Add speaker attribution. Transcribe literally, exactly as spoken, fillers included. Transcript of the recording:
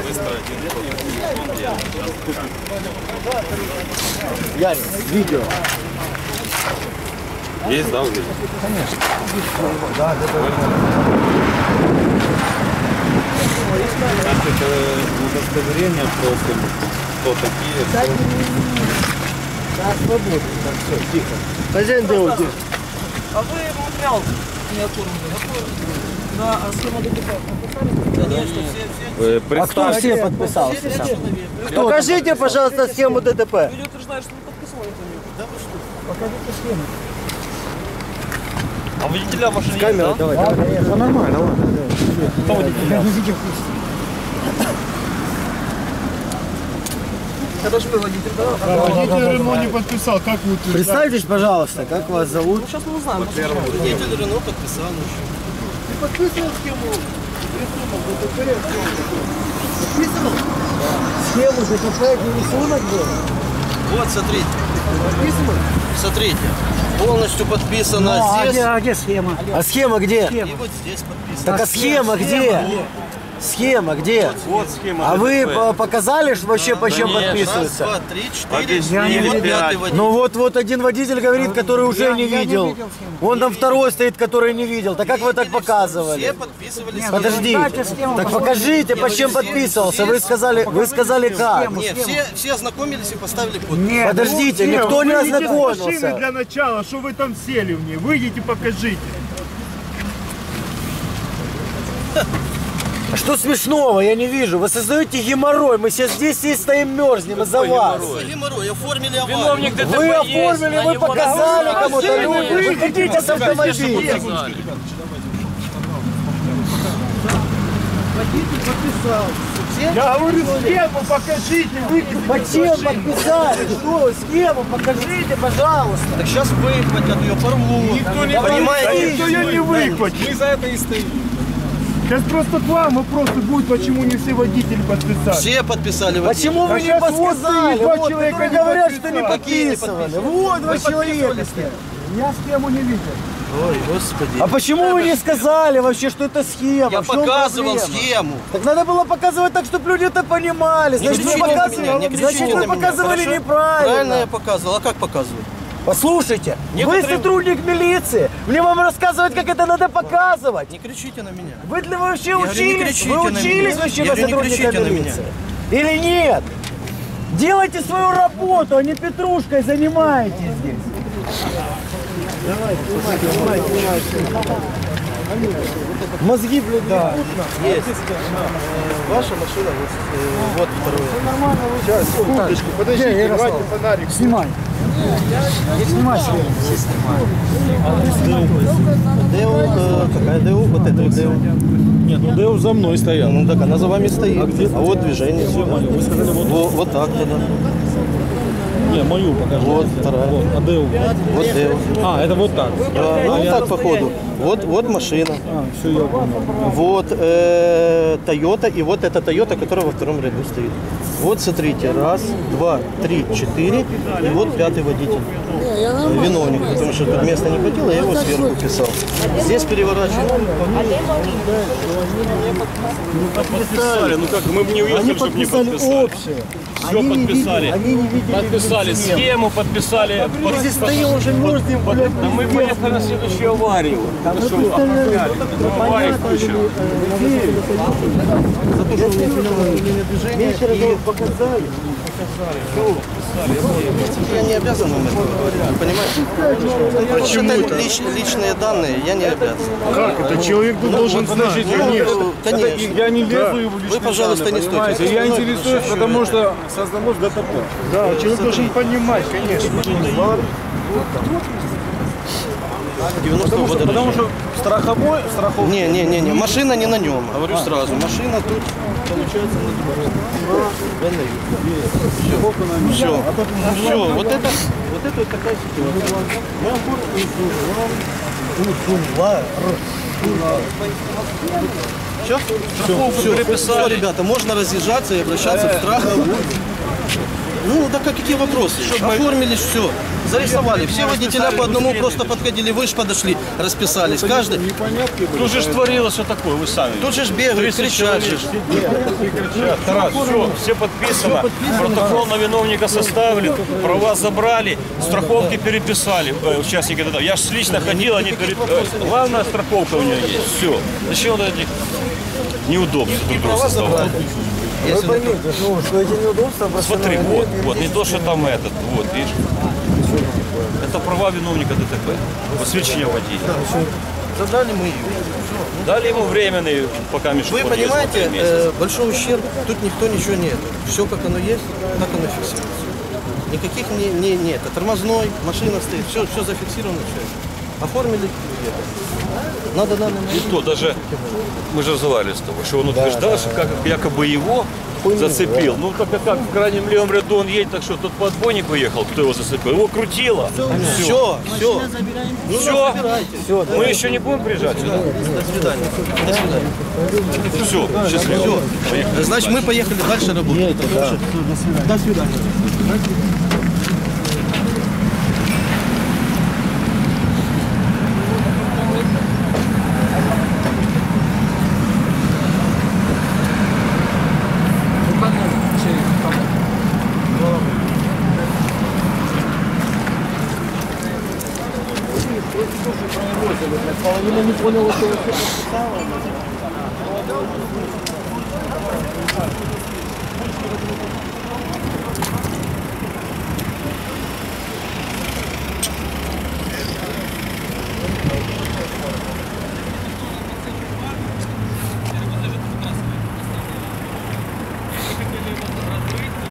Speaker 1: Ярик, видео.
Speaker 2: Есть, да, видео?
Speaker 1: Конечно. Да, да, да.
Speaker 2: Это удостоверение просто, кто такие.
Speaker 1: Да, свободно. Так, все, тихо. Хозяин делает.
Speaker 3: А вы материал не оформили? Да, а схема ДТП подписали? Конечно, все, все.
Speaker 1: А кто все подписался? Кто? Покажите, пожалуйста, схему ДТП.
Speaker 3: Люди утверждают, что не подписывали это. Да вы что?
Speaker 1: Покажите схему.
Speaker 3: А водителя машины есть,
Speaker 1: Камера,
Speaker 3: да?
Speaker 1: давай, давай. Да, нормально, ладно.
Speaker 3: Кто водителя?
Speaker 1: Я не видел.
Speaker 3: Это же вы водитель, да?
Speaker 4: Водитель Рено не подписал, как вы утверждаете?
Speaker 1: Представьтесь, пожалуйста, как вас зовут?
Speaker 3: Ну, сейчас мы узнаем.
Speaker 5: Водитель Рено подписал.
Speaker 4: Ты подписывал схему?
Speaker 1: Подписывал? Схему ДТП, не рисунок был?
Speaker 5: Вот, смотрите.
Speaker 1: Подписывал?
Speaker 5: Смотрите. Полностью подписано
Speaker 1: Ну, а
Speaker 5: здесь.
Speaker 1: где, а где схема? А схема где?
Speaker 5: И вот здесь подписано.
Speaker 1: Так а схема где? Схема где?
Speaker 2: Вот схема.
Speaker 1: А вы по- показали, что вообще по чем
Speaker 5: Раз,
Speaker 1: подписывается?
Speaker 5: два, три, четыре.
Speaker 2: Объяснили,
Speaker 5: И вот
Speaker 2: пять.
Speaker 5: пятый водитель.
Speaker 1: Ну вот, вот один водитель говорит, который уже не видел. Вон там второй стоит, который не видел. Так как вы так
Speaker 5: Все
Speaker 1: показывали?
Speaker 5: подписывались.
Speaker 1: Подождите. Так покажите, по чем подписывался. Вы сказали, вы сказали как?
Speaker 5: Нет, все, все ознакомились и поставили подпись.
Speaker 1: Подождите, никто не
Speaker 4: Выйдите с машины
Speaker 1: ознакомился.
Speaker 4: для начала, что вы там сели в ней. Выйдите, покажите.
Speaker 1: А что смешного? Я не вижу. Вы создаете геморрой. Мы сейчас здесь все стоим, мерзнем из-за вас.
Speaker 5: Геморрой, оформили аварию.
Speaker 3: Виновник ДТП
Speaker 1: Вы
Speaker 3: есть,
Speaker 1: оформили,
Speaker 3: на
Speaker 1: вы
Speaker 3: него
Speaker 1: показали
Speaker 3: наказали.
Speaker 1: кому-то люди. Вы хотите с автомобиля.
Speaker 4: Я говорю, схему покажите, выйдите.
Speaker 1: Зачем подписали? Что? Схему покажите, пожалуйста.
Speaker 5: Так сейчас выхватят ее, порвут.
Speaker 4: Никто не
Speaker 5: Понимаете?
Speaker 4: Никто ее не выхватит.
Speaker 3: Мы за это и стоим.
Speaker 4: Сейчас просто к вам вопрос будет, почему не все водители подписали.
Speaker 5: Все подписали водитель.
Speaker 1: Почему вы
Speaker 4: А
Speaker 1: не
Speaker 4: сейчас вот
Speaker 1: подсказали?
Speaker 4: стоит два
Speaker 1: Вот,
Speaker 4: человека
Speaker 1: которые
Speaker 4: не
Speaker 1: говорят,
Speaker 4: подписали.
Speaker 1: что не
Speaker 5: Какие не
Speaker 1: подписывали.
Speaker 5: подписывали?
Speaker 1: Вот два
Speaker 5: Вы
Speaker 1: человека.
Speaker 5: подписывали?
Speaker 4: Я схему не видел.
Speaker 5: Ой, господи.
Speaker 1: А почему вы не сказали вообще, что это схема?
Speaker 5: Я
Speaker 1: В чем
Speaker 5: показывал
Speaker 1: проблема?
Speaker 5: схему.
Speaker 1: Так надо было показывать так, чтобы люди это понимали. Значит, вы,
Speaker 5: кричите на
Speaker 1: показывали,
Speaker 5: меня, не кричите
Speaker 1: значит,
Speaker 5: на
Speaker 1: вы
Speaker 5: меня,
Speaker 1: показывали
Speaker 5: хорошо?
Speaker 1: неправильно.
Speaker 5: Правильно я показывал. А как показывать?
Speaker 1: Послушайте,
Speaker 5: Некоторые-
Speaker 1: вы сотрудник милиции. Мне вам рассказывать, как это надо показывать.
Speaker 5: Не кричите на меня.
Speaker 1: Вы для вы вообще
Speaker 5: говорю, не
Speaker 1: учились?
Speaker 5: кричите
Speaker 1: Вы
Speaker 5: на
Speaker 1: учились
Speaker 5: меня.
Speaker 1: вообще
Speaker 5: Я
Speaker 1: на
Speaker 5: говорю, не
Speaker 1: сотрудника
Speaker 5: кричите на меня.
Speaker 1: милиции? Или нет? Делайте свою работу, а не петрушкой занимаетесь здесь. Давай, снимай, снимай, снимай. Мозги, блядь, да.
Speaker 5: Есть. Ваша машина, вот, э, вот второе.
Speaker 1: Нормально,
Speaker 4: Сейчас, секундочку, подождите, давайте фонарик.
Speaker 1: Снимай. Не снимай себе.
Speaker 5: ДЭУ, э, какая ДЭУ? Вот это вот ДЭУ.
Speaker 2: Нет, ну Дэу за мной стоял.
Speaker 5: Ну так она за вами стоит. А, вот движение сюда. Вот, вот так тогда.
Speaker 2: Не, мою покажи.
Speaker 5: Вот вторая.
Speaker 2: Вот, а Дэу.
Speaker 5: Вот ДЭУ.
Speaker 2: А, это вот так.
Speaker 5: Да, ну вот так походу. Вот, вот машина.
Speaker 2: А, все, я понял.
Speaker 5: Вот э, Toyota и вот эта Toyota, которая во втором ряду стоит. Вот смотрите, раз, два, три, четыре, и вот пятый водитель. Виновник, потому что тут места не хватило, я его сверху писал. Здесь переворачиваю.
Speaker 2: Подписали, ну как, мы бы не
Speaker 1: Они
Speaker 2: уехали, чтобы не
Speaker 1: подписали
Speaker 2: подписали.
Speaker 1: общее.
Speaker 2: Все
Speaker 1: Они не
Speaker 2: подписали.
Speaker 1: видели- Они не видели.
Speaker 2: Подписали
Speaker 1: схему.
Speaker 2: схему, подписали.
Speaker 1: Мы здесь стоим уже мерзнем, блядь.
Speaker 2: А мы поехали на следующую аварию.
Speaker 1: А мы представляем,
Speaker 2: Аварию
Speaker 1: понятно,
Speaker 2: включили.
Speaker 5: За то, что у меня движение.
Speaker 1: вечером вам показали.
Speaker 5: Я не обязан вам это говорить, вы понимаете? Почему это лич, личные данные, я не обязан.
Speaker 4: Как это? Человек должен знать.
Speaker 5: Ну, конечно.
Speaker 2: Я не лезу его в
Speaker 5: Вы,
Speaker 2: личные
Speaker 5: пожалуйста,
Speaker 2: данные,
Speaker 5: не
Speaker 2: понимаете?
Speaker 5: стойте.
Speaker 2: Я интересуюсь, потому что создалось ДТП.
Speaker 4: Да, человек должен понимать, конечно.
Speaker 5: девяностого года
Speaker 2: Потому
Speaker 5: рождения.
Speaker 2: что страховой, страховой.
Speaker 5: Не, не, не, не, машина не на нем, говорю сразу. Машина тут, получается, на дворе. Все, все, все, вот это, вот это вот такая ситуация. Мы оформили все, все, все, все, ребята, можно разъезжаться и обращаться в страховую. Ну, да как, какие вопросы? Оформили все, зарисовали. Все водителя по одному просто подходили, вы же подошли, расписались. Каждый.
Speaker 2: Тут же ж творилось что такое, вы сами.
Speaker 5: Тут же ж бегают, кричат же.
Speaker 2: Тарас, все, все подписано. Протокол на виновника составили, права забрали, страховки переписали. Э, участники ДТП. Я же лично ходил, они перед... э, главная страховка у нее есть. Все. Зачем вот эти неудобства друг другу создавать?
Speaker 1: Вы поймите, ну, что эти неудобства просто...
Speaker 2: Смотри,
Speaker 1: ну,
Speaker 2: вот,
Speaker 1: они-
Speaker 2: вот, не то, что там этот, вот, видишь. Это права виновника ДТП. Посвящение водителя.
Speaker 5: Забрали мы ее.
Speaker 2: Дали ему временный, пока Мишу
Speaker 5: Вы понимаете, э, большой ущерб, тут никто ничего нет. Все как оно есть, так оно фиксируется. Никаких не, не, нет. Тормозной, машина стоит, все, все зафиксировано, все. Оформили. Надо, надо,
Speaker 2: И то даже, мы же разговаривали с тобой, что он утверждал, что как, якобы его зацепил. Ну, так как в крайнем левом ряду он едет, так что тот по отбойнику ехал, кто его зацепил? Его крутило.
Speaker 5: все, все. Ну,
Speaker 2: Все,
Speaker 1: Всё, да.
Speaker 2: мы еще не будем приезжать сюда.
Speaker 5: До свидания. До свидания.
Speaker 2: Все, счастливо. Поехали.
Speaker 5: Значит, мы поехали дальше работать. До свидания.
Speaker 1: Половина не поняла, что вы написала.